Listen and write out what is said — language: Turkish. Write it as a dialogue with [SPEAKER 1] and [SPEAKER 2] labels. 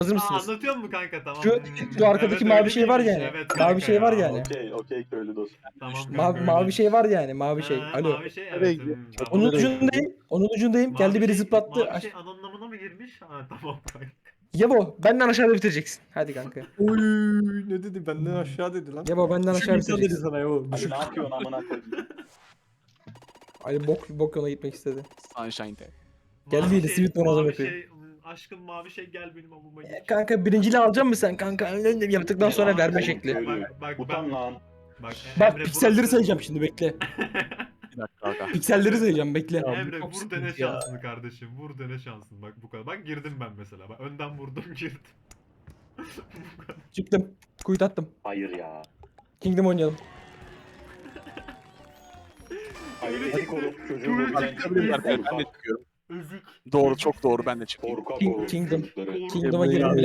[SPEAKER 1] Hazır mısınız?
[SPEAKER 2] Anlatıyor mu kanka? Tamam.
[SPEAKER 1] Şu arkadaki
[SPEAKER 2] Evet,
[SPEAKER 1] mavi
[SPEAKER 2] öyle
[SPEAKER 1] şey var
[SPEAKER 2] değilmiş.
[SPEAKER 1] yani.
[SPEAKER 2] Evet
[SPEAKER 1] Mavi
[SPEAKER 2] kanka
[SPEAKER 1] şey var
[SPEAKER 2] ya.
[SPEAKER 1] yani.
[SPEAKER 3] Okey köylü dost.
[SPEAKER 2] Tamam kanka
[SPEAKER 1] Mavi
[SPEAKER 2] öyleymiş.
[SPEAKER 1] şey var yani. Mavi şey. Alo.
[SPEAKER 2] Mavi şey
[SPEAKER 4] Nereye
[SPEAKER 2] evet.
[SPEAKER 4] gidiyor?
[SPEAKER 2] Tamam.
[SPEAKER 1] Onun
[SPEAKER 4] Nereye
[SPEAKER 1] ucundayım. Onun ucundayım. Geldi
[SPEAKER 2] Mavi
[SPEAKER 1] biri
[SPEAKER 2] şey-
[SPEAKER 1] zıplattı.
[SPEAKER 2] Mavi şey anlamına mı girmiş? Ha tamam kanka.
[SPEAKER 1] Yabo benden aşağıda bitireceksin. Hadi kanka.
[SPEAKER 4] Oy ne dedi benden aşağı dedi lan.
[SPEAKER 1] Yabo benden
[SPEAKER 4] Düşük
[SPEAKER 1] aşağı
[SPEAKER 4] insan dedi
[SPEAKER 1] bitireceksin.
[SPEAKER 4] sana ya o.
[SPEAKER 3] Ali
[SPEAKER 4] Düşük.
[SPEAKER 3] ne yapıyorsun amına koyayım?
[SPEAKER 1] Ali bok yoluna gitmek istedi.
[SPEAKER 4] Sunshine'de.
[SPEAKER 1] Geldi
[SPEAKER 2] Mavi
[SPEAKER 1] yine, simit donazım
[SPEAKER 2] mavi
[SPEAKER 1] yapıyor.
[SPEAKER 2] şey, aşkım mavi şey gel benim amıma gir.
[SPEAKER 1] Kanka birinciliği alacak mısın sen kanka? Yaptıktan sonra verme
[SPEAKER 2] Oğlum,
[SPEAKER 1] şekli.
[SPEAKER 3] Köylü.
[SPEAKER 2] Bak,
[SPEAKER 3] Utan lan.
[SPEAKER 1] Bak
[SPEAKER 2] Emre,
[SPEAKER 1] pikselleri
[SPEAKER 2] burası-
[SPEAKER 1] sayacağım şimdi bekle.
[SPEAKER 4] Bir dakika aga.
[SPEAKER 1] Pikselleri sayacağım bekle.
[SPEAKER 2] Emre
[SPEAKER 4] çok
[SPEAKER 2] vur
[SPEAKER 4] sıkıntı
[SPEAKER 2] dene
[SPEAKER 4] ya.
[SPEAKER 2] şansını kardeşim. Vur dene şansını. Bak bu kadar. Bak girdim ben mesela. Bak önden vurdum girdim. Bu kadar.
[SPEAKER 1] Çıktım. Kuyut attım.
[SPEAKER 3] Hayır ya.
[SPEAKER 1] Kingdom oynayalım.
[SPEAKER 3] Hayır
[SPEAKER 2] Köylü
[SPEAKER 3] ezik
[SPEAKER 2] çıktı.
[SPEAKER 3] olup çocuğun
[SPEAKER 2] Köylü
[SPEAKER 3] gözünden
[SPEAKER 2] çıktı.
[SPEAKER 3] çıkıyor.
[SPEAKER 4] Ben de çıkıyorum.
[SPEAKER 2] Ezik.
[SPEAKER 4] Doğru çok doğru ben de çıkayım.
[SPEAKER 3] Korkak
[SPEAKER 1] King-
[SPEAKER 3] oğlum
[SPEAKER 1] Kingdom.
[SPEAKER 3] çocukları.
[SPEAKER 1] Kingdom'a girelim.